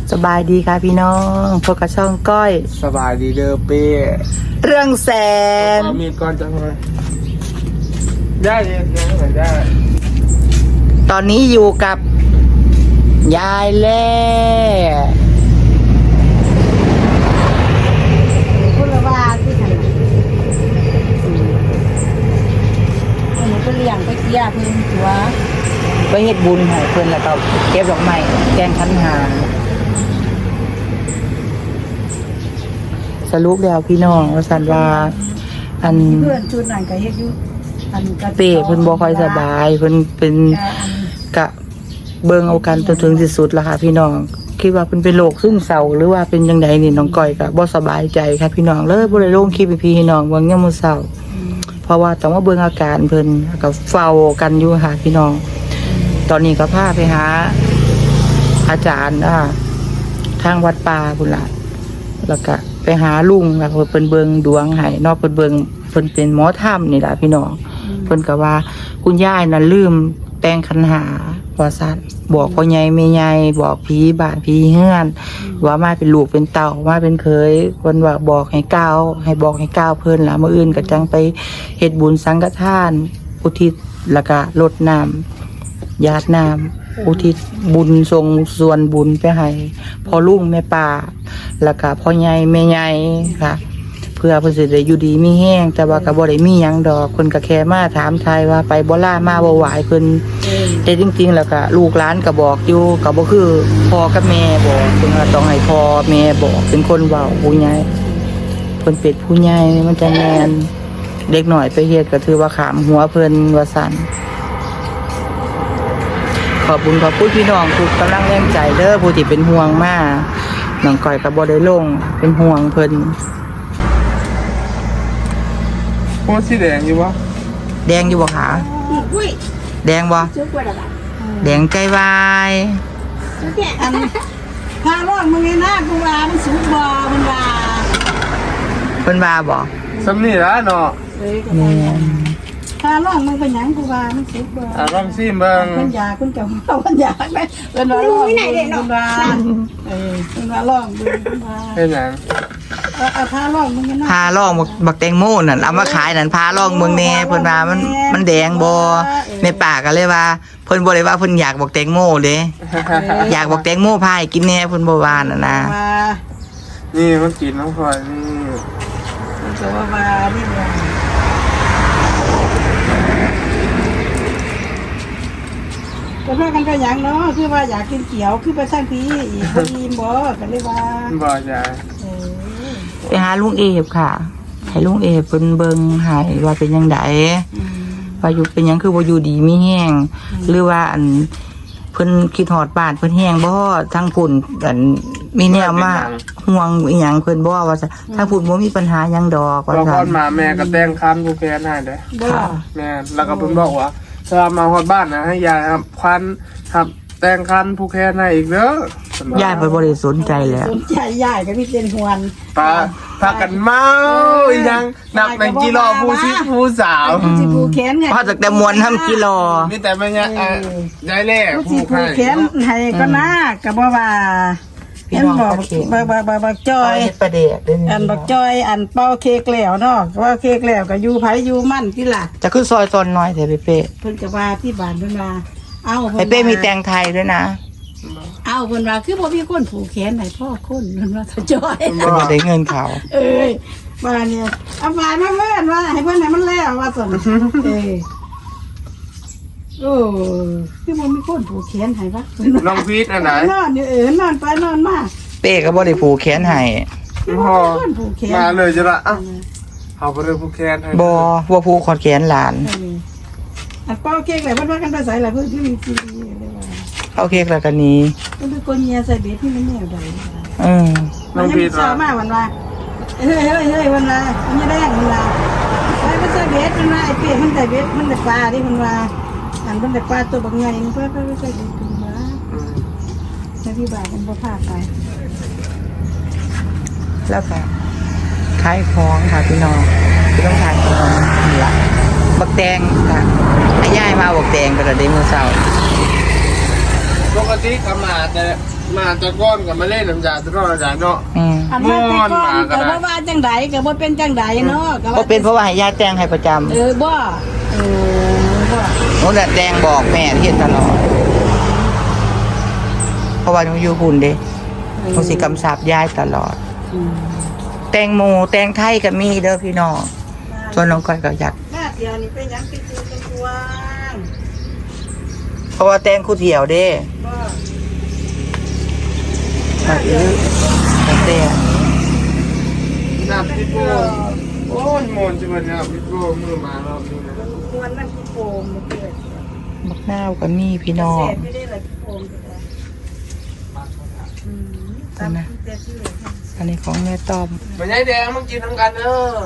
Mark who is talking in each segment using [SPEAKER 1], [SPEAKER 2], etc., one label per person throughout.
[SPEAKER 1] สบายดีค่ะพี่น้องพบกับช่องก้อย
[SPEAKER 2] สบายดีเด้อเป้
[SPEAKER 1] เรื่องแสน
[SPEAKER 2] มีก่อนจังเลยได้เลยนะเหมือนได้
[SPEAKER 1] ตอนนี้อยู่กับยายแล่
[SPEAKER 3] พูดแล้วว่าที่ไหนหนูไปเลี้ยงไปเกี่ยเพิ่นตัว
[SPEAKER 1] ไปเฮ็ดบุญให้เพิ่นแล้วก็เก็บดอกไม้แกงขันหาสรุปแล้วพี่น้องว่าสันว่าอัน
[SPEAKER 3] เพื่อนชุดนั้นก็เฮ็ดอยู่อันก็
[SPEAKER 1] เป้เพิ่นบ่ค่อยสบายเพิ่นเป็นกะเบิ่งเอากันจนถึงที่สุดแล้วค่ะพี่น้องคิดว่าเพิ่นเป็นโรคซึมเศร้าหรือว่าเป็นจังไดนี่น้องก้อยก็บ่สบายใจค่ะพี่น้องเลยบ่ได้ลงคลิปให้พี่น้องเบิ่งยามมื้อเช้าเพราะว่าต้องมาเบิ่งอาการเพิ่นก็เฝ้ากันอยู่ค่ะพี่น้องตอนนี้ก็พาไปหาอาจารย์ทางวัดป่าพุ่นล่ะแล้วก็ไปหาลุงแล้วเพิ่นเบิ่งดวงให้เนาะเพิ่นเบิ่งเพิ่นเป็นหมอธรรมนี่ล่ะพี่น้องเพิ่นก็ว่าคุณยายน่ะลืมแต่งขันหาว่าซั่นบอกพ่อใหญ่แม่ใหญ่บอกพี่บ้านพี่เฮือนว่ามาเป็นลูกเป็นเต้ามาเป็นเคยเพิ่นว่าบอกให้ก้าวให้บอกให้ก้าวเพิ่นล่ะมื้ออื่นก็จังไปเฮ็ดบุญสังฆทานอุทิศแล้วก็รดน้ำญาติน้ำอุทิศบุญทรงส่วนบุญไปให้พ่อลุงแม่ป้าแล้วก็พ่อใหญ่แม่ใหญ่ค่ะเพื่อเพิ่นสิได้อยู่ดีมีแห้งแต่ว่าก็บ่ได้มีหยังดอกเพิ่นก็แค่มาถามทายว่าไปบ่ล่ามาบ่ไหวเพิ่นแต่จริงๆแล้วก็ลูกหลานก็บอกอยู่ก็บ่คือพ่อกับแม่บอกเพิ่นว่าต้องให้พ่อแม่บอกเป็นคนเว้าผู้ใหญ่เพิ่นเป็นผู้ใหญ่มันจะแม่นเด็กน้อยไปเฮ็ดก็ถือว่าขามหัวเพิ่นว่าซั่นขอบคุณพี่น้องทุกกำลังแรงใจเด้อผู้ที่เป็นห่วงมาน้องก้อยก็บ่ได้ลงเป็นห่วงเพิ่น
[SPEAKER 2] โคตรสีแดงอยู่วะ
[SPEAKER 1] แดงอยู่บ่คะแดงบ่แดงใจวาย
[SPEAKER 3] อันพาร้องมึงไงนะกูว่ามันสูงบ่มันว่า
[SPEAKER 1] เพิ่นว่าบ่
[SPEAKER 2] สำนี่ละเนาะ
[SPEAKER 3] พาร้องมึงเป็นหยังกูว่ามันสูงบ่
[SPEAKER 2] ลองซิเบิ่ง
[SPEAKER 3] เพิ่นอยากเพิ่นจะเอาเพิ่นอยากไหมเพิ่นว่าร้องเพิ่นว่าเพิ่นว่าร้องเพิ่นว่า
[SPEAKER 2] เป็นหยัง
[SPEAKER 3] พาร้องมึงไงนะ
[SPEAKER 1] พาล่องบักแตงโมนั่นเอามาขายนั่นพาล่องเมืองแน่เพิ่นว่ามันแดงบ่แม่ป้าก็เลยว่าเพิ่นบ่ได้ว่าเพิ่นอยากบักแตงโมเด้อยากบักแตงโมพาให้กินแน่เพิ่นบ่ว่าน่ะนะ
[SPEAKER 2] นี่มันกินน้ำพลอยนี่
[SPEAKER 3] มันจะว่านี่ว่าก็พากันก็หยังเนาะคือว่าอยากกินเขียวคือไปสร้างพี่อีกบ่อิ่มบ่ก็เลยว่า
[SPEAKER 2] บ่จ้ะ
[SPEAKER 1] ไปหาลุงเอฟค่ะให้ลุงเอฟเพิ่นเบิ่งให้ว่าเป็นจังไดว่าอยู่เป็นหยังคือบ่อยู่ดีมีแห้งหรือว่าอันเพิ่นคิดฮอดบ้านเพิ่นแห้งบ่ทั้งพุ่นอันมีแนวมาห่วงอีหยังเพิ่นบ่ว่าถ้าพุ่นบ่มีปัญหาหยังดอกว่า
[SPEAKER 2] ซั่นมาแม่ก็แต่งคันผู้แก่ให้เด้
[SPEAKER 1] ค่ะ
[SPEAKER 2] แม่แล้วก็เพิ่นบอกว่าถ้ามาฮอดบ้านนะให้ยายครับควันครับแต่งคันผู้แก่ให้อีกเด้
[SPEAKER 1] อยายบ่ได้สนใจแล้ว
[SPEAKER 3] สนใจยายก็มีเป็นหวน
[SPEAKER 2] พากันเมาอีหยังนับเป็นกิโลผู้ซิผู้สาว
[SPEAKER 3] สิผู้แขนไง
[SPEAKER 1] พาจากแต่มวนทำกิโล
[SPEAKER 2] มีแต่แม่ยายแล่
[SPEAKER 3] ผู้แขนให้ก็น่าก็บ่ว่าเห็นบอกจอยอันบอกจอยอันเป่าเค้กแล้วเนาะว่าเค้กแล้วก็อยู่ไผอยู่มั่นที่ล่ะ
[SPEAKER 1] จะขึ้นซอยตอนน้อยเถอะเป้
[SPEAKER 3] เพิ่นก็ว่าที่บ้านเพิ่นว่าเอา
[SPEAKER 1] เป้มีแตงไทยด้วยนะ
[SPEAKER 3] เอาเพิ่นว่าคือบ่มีคนผูกแขนให้พ่อคนเพิ่นว่าจอย
[SPEAKER 1] เพิ่นได้เงินเขา
[SPEAKER 3] ว่าเนี่ยเอาฝ่ายมาเพิ่นว่าให้เพิ่นให้มันแล้วว่าซั่นคือบ่มีคนผูกแขนให้วะ
[SPEAKER 2] น้องพีทอันไหน
[SPEAKER 3] นอนอยู่นอนไปนอนมา
[SPEAKER 1] เป้ก็บ่ได้ผูกแขนให้
[SPEAKER 2] มาเลยจ้ะละเอาบ่ได้ผูกแขนให้
[SPEAKER 1] บ่ผูกขอดแขนหลาน
[SPEAKER 3] อันเป้าเค้กแหละเพิ่นว่ากันไปใส่ล่ะเพิ่นที่มีซีดีเลยว่า
[SPEAKER 1] เป้าเค้กแล้วกันนี้
[SPEAKER 3] มันเป็นคนเฮียใส่เบ็ดที่มันแนวใด
[SPEAKER 2] น้องพีท
[SPEAKER 3] ว่ามาวันว่าเฮ้ยวันว่ามันจะแดงวันว่าไปใส่เบ็ดมันว่าไอ้เป้มันใส่เบ็ดมันได้ปลาดิมันว่าอันมันได้ปลาตัวบางใหญ่นี่เพิ่นใส่เบ็ดตัวว่าแล้วที่บ้านมันบ่พาไป
[SPEAKER 1] แล้วก็ขายของค่ะพี่น้องคือต้องขายของนี่ล่ะบักแตงค่ะยายมาบักแตงก็ได้มื้อเช้า
[SPEAKER 2] ปกติก็มาแต่มาตะก้อนกับมาเล่นน้ำยาตะก้อนน้ำยาเนาะ
[SPEAKER 3] อันว่าแต่ก่อนก็บ่ว่าจังไดก็บ่เป็นจังไดเนาะก็
[SPEAKER 1] ก็เป็นเพราะว่าให้ยายแต่งให้ประจำ
[SPEAKER 3] บ่บ่
[SPEAKER 1] โน่นแหละแดงบอกแม่เฮ็ดตลอดเพราะว่าหนูอยู่หุ่นเด้หนูสิกำชับยายตลอด แตงโมแตงไทยก็มีเด้อพี่น้องส่วนน้องก้อยก็อยาก
[SPEAKER 3] หน้าเดียวนี่เป็นหยังเป็นตัวเป็นตัว
[SPEAKER 1] เพราะว่าแตงคู่เดียวเด้
[SPEAKER 3] บ่
[SPEAKER 1] มาอีกแต่
[SPEAKER 2] น้ำพี่โป้โอ้ยมนจังเลยนะครับพี่โป้มือมาแล้วนี่นะ
[SPEAKER 3] มวนน้ำขี้โป่งมันเกิด
[SPEAKER 1] บักนาวก็มีพี่น้อง
[SPEAKER 3] แซ่บไม่ได้เลยขี้โป่งก็ได้ตามแต่ที่เหลือ
[SPEAKER 1] อันนี้ของแม่ต้อม
[SPEAKER 2] มันยายแดงมันกินทั้งกันเด้อ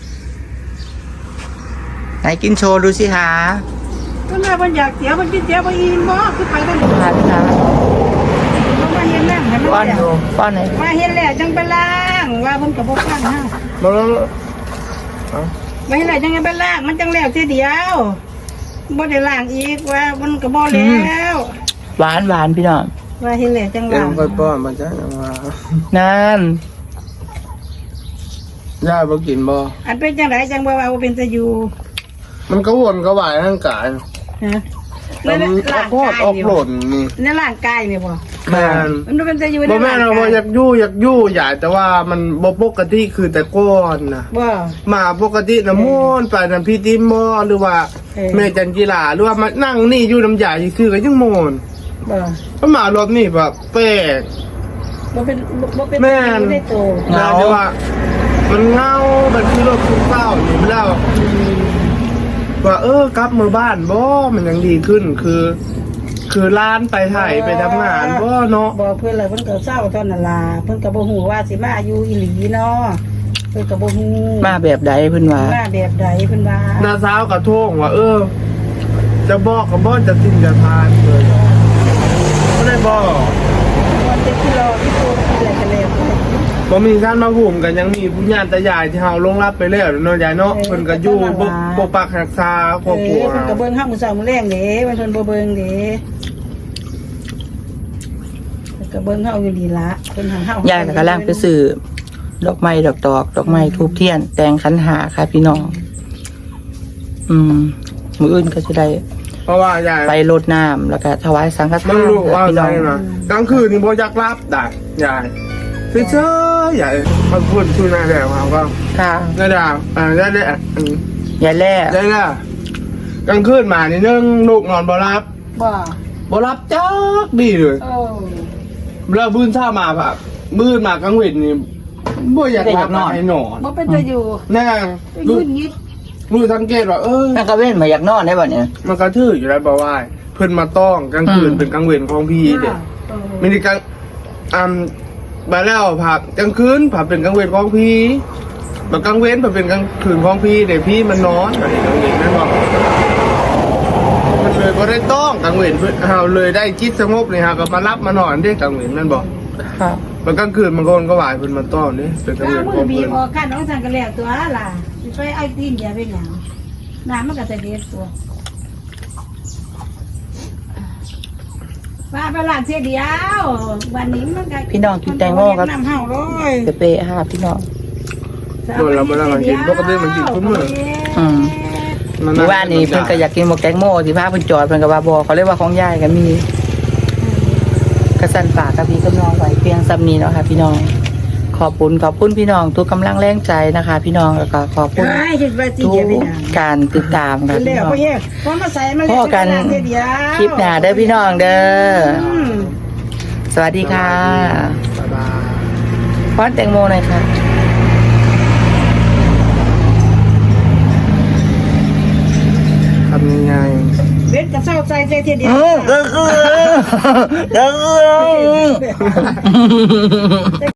[SPEAKER 1] ไหนกินโชว์ดูสิหา
[SPEAKER 3] ก็น่ามันอยากเสียมันกินเสียบ่อิ่มบ่คือไปกัน
[SPEAKER 1] หาหา
[SPEAKER 3] มาเห็นนั่งให้มัน
[SPEAKER 1] ป้อน
[SPEAKER 3] แล้ว
[SPEAKER 1] ดูป้อนไหน
[SPEAKER 3] มาเห็นแล้วจังไปล้างว่าเพิ่นก็บ่ฟังเฮา
[SPEAKER 2] มาแล้ว
[SPEAKER 3] มาเห็นแล้วจังไปล้างมันจังแล้วทีเดียวบ่ได้ล้างอีกว่ามันก็บ่แล้ว
[SPEAKER 1] หวานหวานพี่น้อง
[SPEAKER 3] ว่าเห็นแล้วจัง
[SPEAKER 2] เดี๋ยว
[SPEAKER 3] ล้าง
[SPEAKER 2] ค่อยป้อนมาจ้ะยังว่า
[SPEAKER 1] นั่น
[SPEAKER 2] ย่าบ่กินบ่
[SPEAKER 3] อันเป็นจังไดจังบ่ว่าบ่เป็นตะอยู่
[SPEAKER 2] มันก็วนก็วายร่างกาย
[SPEAKER 3] ฮะ
[SPEAKER 2] มันออกโคตรออกหล่นนี่
[SPEAKER 3] ในร่างกายนี่บ่
[SPEAKER 2] แม่น
[SPEAKER 3] มันเป็นตะอยู่ใน
[SPEAKER 2] บ่แม่นเราบ่อยากยู่ใหญ่แต่ว่ามันบ่ปกติคือแต่ก้อนนะ
[SPEAKER 3] บ่
[SPEAKER 2] มาปกติน้ำมนต์ไปน้ำพี่ติมมอหรือว่า แม่จันกีฬาหรือว่ามานั่งนี่อยู่น้ำยาซื่อๆก็ยังมนต์
[SPEAKER 3] บ่
[SPEAKER 2] ถ้ามารอบนี้แบบแปลก
[SPEAKER 3] บ่เป็นบ่เป็น
[SPEAKER 2] แม่น
[SPEAKER 3] ได้โต
[SPEAKER 2] นะแต่ว่า มันเงามันคือรถคุณเป้าอยู่แล้วว่ากลับมาบ้านบ่มันยังดีขึ้นคือร้านไปไทยไปทำงานบ่เนาะ
[SPEAKER 3] บอกเพื่อนเลยเพิ่นก็เศร้าเท่านั้นล่ะเพิ่นก็บ่ฮู้ว่าสิมาอยู่อีหลีเนาะเพิ่นก็บ่ฮู้
[SPEAKER 1] มาแบบใดเพิ่นว่า
[SPEAKER 3] มาแบบใดเพิ่นว่า
[SPEAKER 2] น้าสาวกับโท่งว่าจะบอกกับบ่จะทิ้งจะทานเลยไม่ได้บอก
[SPEAKER 3] วันที่รอที่โตอะไรกันแล้ว
[SPEAKER 2] บ่มีท่านมาหุ่มกันยังมีผู้ญาติตายายที่เฮาลงรับไปแล้วเนาะยายเนาะเพิ่นก็อยู่ปกปักรักษาครอบครัว
[SPEAKER 3] เพิ่นก็เบิ่งเฮามื้อเช้ามื้อแลงเด้มันเพิ่นบ่เบิ่งเด้เพิ่นก็เบิ่งเฮาอยู่ดีละเพิ่นหาเฮาย
[SPEAKER 1] ายก็กำลังไปซื้อดอกไม้ดอกไม้ทูบเทียน แตงขันหาค่ะพี่น้อง มื้ออื่นก็จะได้
[SPEAKER 2] เพราะว่ายาย
[SPEAKER 1] ไปรดน้ำแล้วก็ถวายสังฆทาน
[SPEAKER 2] มันรู้ว่า
[SPEAKER 1] พี่
[SPEAKER 2] ใจ
[SPEAKER 1] น้อง
[SPEAKER 2] นะกลางคืนนี่บ่อยากรับได้ยายเฉยๆยายมันพูดชื่อหน้าแล้วเขาก็
[SPEAKER 1] ค่ะ
[SPEAKER 2] ได้ดาวได้ได้
[SPEAKER 1] ยายแล่
[SPEAKER 2] ได้ละกลางคืนมานี่นึงลูกนอนบ่รับ
[SPEAKER 3] บ่
[SPEAKER 2] บ่รับจักดีเลย
[SPEAKER 3] โอ้
[SPEAKER 2] แล้วบื้นเช้ามาแบบบื้นมากลางเวทนี่บ่อยากรับให้นอน
[SPEAKER 3] บ่เป็นตะอยู่
[SPEAKER 2] แน่
[SPEAKER 3] ยื
[SPEAKER 2] รู้
[SPEAKER 3] นยิด
[SPEAKER 2] รู้สังเกตว่า
[SPEAKER 1] แม่ก็เว้นมาอยากนอนได้บ่เนี่ย
[SPEAKER 2] มันกระทื่ออยู่แล้วบ่ว่าเพิ่นมาต้องกลางคืนเป็นกลางเวรของพี่เด็กมินิกลางมาแล้วผับกลางคืนผับเป็นกลางเวรของพี่แบบกลางเว้นผับเป็นกลางคืนของพี่เดี๋ยวพี่มันนอนอะไรกลางเวรนั่นบอกมันเลยก็ได้ต้องกลางเวรเพื่อเฮาเลยได้จิตสงบเลยฮะก็มารับมานอนได้กลางเวรนั่นบอก
[SPEAKER 1] ครับ
[SPEAKER 2] มันกลางคืนมันก็ไหวเพิ่นมาต้อนนี่เป็นกลางเวรข
[SPEAKER 3] มื
[SPEAKER 2] อ
[SPEAKER 3] อง บี
[SPEAKER 2] เพิ่
[SPEAKER 3] บ
[SPEAKER 2] น
[SPEAKER 3] ออกกันน้องสังกันแล้วตัวล่ะสิไปเอาตีนอย่าไปหยังน้ำมันก็จะเด็ดตัวป้าไปล้างเสียเดียววันนี้มันก็
[SPEAKER 1] พี่น้องกินแตงโมครับ
[SPEAKER 3] น้ำเห่าเลย
[SPEAKER 1] เปะๆค่ะพี่น้อง
[SPEAKER 2] โดนเราไม่ได้มากินปกติมันกินทุกมื้อ
[SPEAKER 1] เมื่อวานนี้เพิ่นก็อยากกินหมกแตงโมสิพาเพิ่นจอดเพิ่นก็ว่าบ่เขาเรียกว่าของยายก็มีกระสันฝากกับพี่กับน้องไว้เพียงซ้ำนี้เนาะค่ะพี่น้อง ขอบคุณพี่น้องทุกกำลังแรงใจนะคะ พี่น้องแล้วก็ขอบคุณ
[SPEAKER 3] ใช่คิดว่าจี
[SPEAKER 1] ทุ
[SPEAKER 3] เดียวไปหยัง
[SPEAKER 1] กการติดตามค่ะ
[SPEAKER 3] เร็
[SPEAKER 1] พี่
[SPEAKER 3] ว
[SPEAKER 1] น้อง
[SPEAKER 3] พ่อเฮ้ยพอมาใส่มัน
[SPEAKER 1] พ่อกัน
[SPEAKER 3] เสียเดียว
[SPEAKER 1] คลิปหน้าเด้อพี่น้องเด้อ
[SPEAKER 3] อืม
[SPEAKER 1] สวัสดีค่ะ
[SPEAKER 2] บ๊ายบาย
[SPEAKER 1] ป้อนแตงโมหน่อยค่ะ
[SPEAKER 2] ทำยังไง
[SPEAKER 3] เบ็ดกับเศร้าใจเสียเดียว
[SPEAKER 1] เด้อ